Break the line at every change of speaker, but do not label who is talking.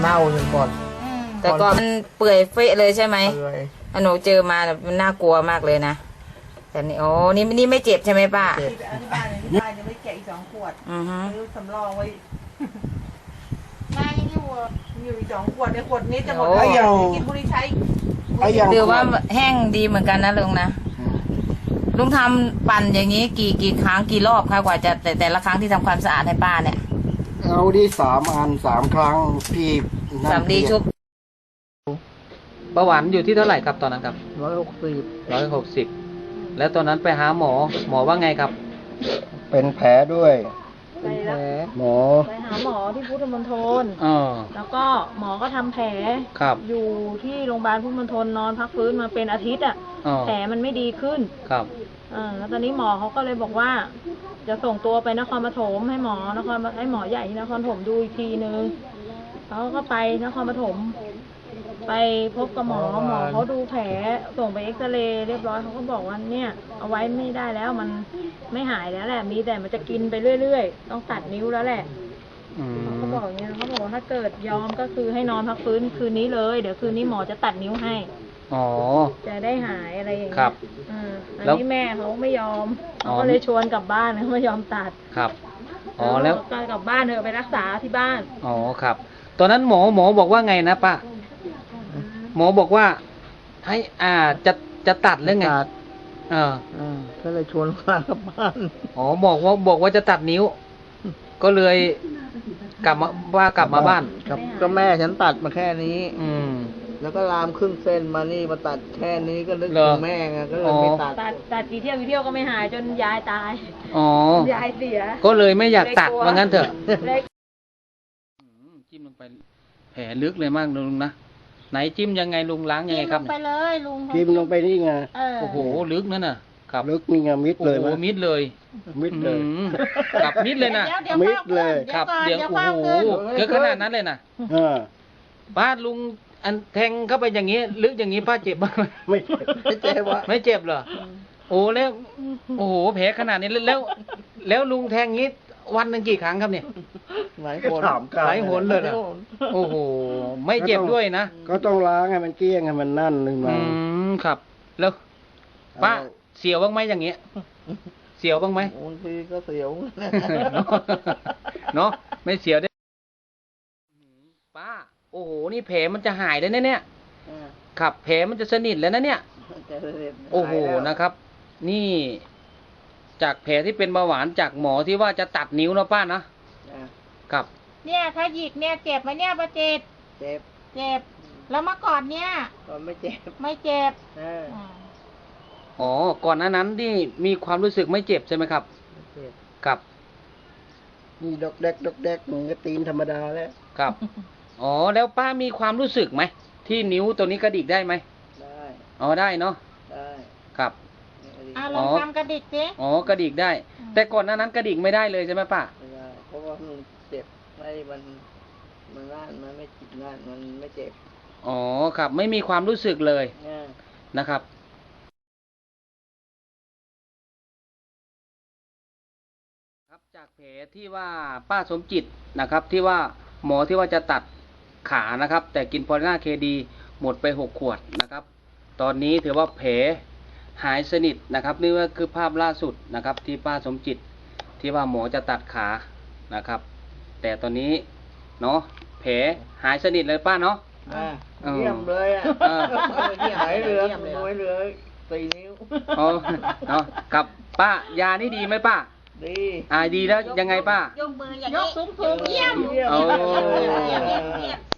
เน่าอยู่ก่อน
แต่ก่อนมันเปื่อยเฟะเลยใช่ไหม
เลย
หนูเจอมามันน่ากลัวมากเลยนะแต่นี่โอ้นี่ไม่เจ็บใช่ไหมป้า
เจ็บ
ที่บ้านยังไม่แกะอีก2 ขวด
อือฮึ
ซื้อสำรองไว้
มายังอยู่
อยู่อีก2 ขวดในขวดนี้จะหมด
โอ้
แล้วกินบุหรี่ใช้
ไอ้อย่าง
หรือว่าแห้งดีเหมือนกันนะลุงนะลุงทำปั่นอย่างนี้กี่ครั้งกี่รอบคะกว่าจะแต่ละครั้งที่ทำความสะอาดให้ป้าเนี่ย
เอาที่3 อัน 3 ครั้งพี่นั่น
สำลีชุบ
เบาหวานอยู่ที่เท่าไหร่ครับตอนนั้นครับ
160
160แล้วตอนนั้นไปหาหมอว่าไงครับ
เป็นแผลด้วย
ไปแล้ว
หมอ
ไปหาหมอที่พุทธมณฑล
อ๋อ
แล้วก็หมอก็ทำแผล
ครับ
อยู่ที่โรงพยาบาลพุทธมณฑลนอนพักฟื้นมาเป็นอาทิตย์อ่ะ
อ๋อ
แผลมันไม่ดีขึ้น
ครับ
แล้วตอนนี้หมอเขาก็เลยบอกว่า จะส่งตัวไปนครปฐมให้หมอใหญ่ที่นครปฐมดูอีกทีนึงเขาก็ไปนครปฐมไปพบกับหมอเขาดูแผลส่งไปเอ็กซเรย์เรียบร้อยเขาก็บอกว่าเนี่ยเอาไว้ไม่ได้แล้วมันไม่หายแล้วแหละมีแต่มันจะกินไปเรื่อยๆต้องตัดนิ้วแล้วแหละ
อืม
เขาบอกอย่างเงี้ยเขาบอกว่าถ้าเกิดยอมก็คือให้นอนพักฟื้นคืนนี้เลยเดี๋ยวคืนนี้หมอจะตัดนิ้วให้
อ๋อ
จะได้หายอะไรอย่าง
ค
เงี้
รั
ย
บ
อัน
แล้ว
นี้แม่เขาไม่ยอม
อ๋อ
เขาก็เลยชวนกลับบ้านเขาไม่ยอมตัด
ครับ อ๋อแล้ว
การกลับบ้านเถอะไปรักษาที่บ้าน
อ๋อครับ ตอนนั้นหมอบอกว่าไงนะป้าหมอบอกว่า ให้จะตัดหรือไง
ตัด
เออ
ก็เลยชวนมากลับบ้าน
อ๋อบอกว่าจะตัดนิ้ว ก็เลยกลับมาบ้าน
ก็แม่ฉันตัดมาแค่นี้
อืม
แล้วก็ลามครึ่งเส้นมานี่มาตัดแค่นี้ก็นึก
เหร
ถึ
อ
งแม่ไงก็เลยไม่ตัด
ตัดกี่เที่ยวก็ไม่หายจนยายตาย
อ๋อ
ยายเสีย
ก็เลยไม่อยากตัดว่างั้นเถอะ
เลย
จิ้มลงไปแผลลึกเลยมากลุงนะไหนจิ้มยังไงลุงล้างยังไงครับ
ไปเลยลุง
พิมพ์ลงไปนี่ไง
โอ้โหลึกนั่นน่ะครับ
ลึกนี่ไงมิด
โอ้
เลย
โห
มั้ย
มิดเลย
มิดเลย
อืมกับมิดเลยนะ
ดี๋ว
มิดเลย
ครับ
ก่อน
เดี๋ยว
ดี๋
โอ้
เฝ้า
โห
ขึ้น
เกิดขนาดนั้นเลยนะ
เออ
ป้าลุงอันแทงเข้าไปอย่างนี้ ลึกอย่างนี้ป้าเจ็บบ้างไหม
ไม่เจ็บวะ
ไม่เจ็บเหรอโอ้แล้วโอ้โหแผลขนาดนี้แล้วลุงแทงงี้วันหนึ่งกี่ครั้งครับเนี่ย
หลายคน
หลายหนเลยเหรอ โอ้โหไม่เจ็บด้วยนะ
ก็ต้องล้างให้มันเกลี้ยงให้มันนั่นนึง
อื
มาม
ครับ แล้วป้าเสียวบ้างไหมอย่างเงี้ยเสียวบ้างไหม
บางทีก็เสียว
เนาะไม่เสียวได้ป้าโอ้โหนี่แผลมันจะหายแล้วนะเนี่ยครับแผลมันจะสนิทแล้วนะเนี่ยโอ้โหนะครับ นี่ จากแผลที่เป็นเบาหวานจากหมอที่ว่าจะตัดนิ้วนะป้านะครับ
เนี่ยถ้าหยิกเนี่ยเจ็บไหมเนี่ยประจิต
เจ็บ
เจ็บ แล้วเมื่อก่อนเนี่ย
ก็ไม่เจ็บ
ไม่เจ็บ
อ๋อก่อนหน้านั้นที่มีความรู้สึกไม่เจ็บใช่ไหมครับ
ไม่เจ็บ
ครับ
นี่ดอกแดกเหมือนกับตีนธรรมดาแล้ว
ครับอ๋อแล้วป้ามีความรู้สึกไหมที่นิ้วตัวนี้กระดิกได้ไหม
ได้
อ๋อได้เนาะ
ได้
ครับ
ลองทำกระดิกสิ
อ๋อกระดิกได้ แต่ก่อนหน้านั้นกระดิกไม่ได้เลยใช่ไหมป้า
ไม่ได้เพราะว่ามันเจ็บไม่มันน่านมันไม่จิตน่านมันไม่เจ็บ
อ๋อครับ ไม่มีความรู้สึกเลย
เนี่ย
นะครับ ครับจากแผลที่ว่าป้าสมจิตนะครับ ที่ว่าหมอที่ว่าจะตัดขานะครับ แต่กินพอลิน่าเคดีหมดไป6 ขวดนะครับ ตอนนี้ถือว่าแผลหายสนิทนะครับนี่ก็คือภาพล่าสุดนะครับ ที่ป้าสมจิตที่ว่าหมอจะตัดขานะครับ แต่ตอนนี้เนาะแผลหายสนิทเลยป้าเนาะ
เยี่ยมเลยอ่ะ
เออ
หายเหลือน้อยเหลือ4 นิ้ว
อ๋อเนาะกับป้ายานี่ดีไหมป้า
ดี
ดีแล้วยังไงป้า
ยกมืออย่างนี้ยกสูงๆเยี่ยม
โอ้
เยี่ยม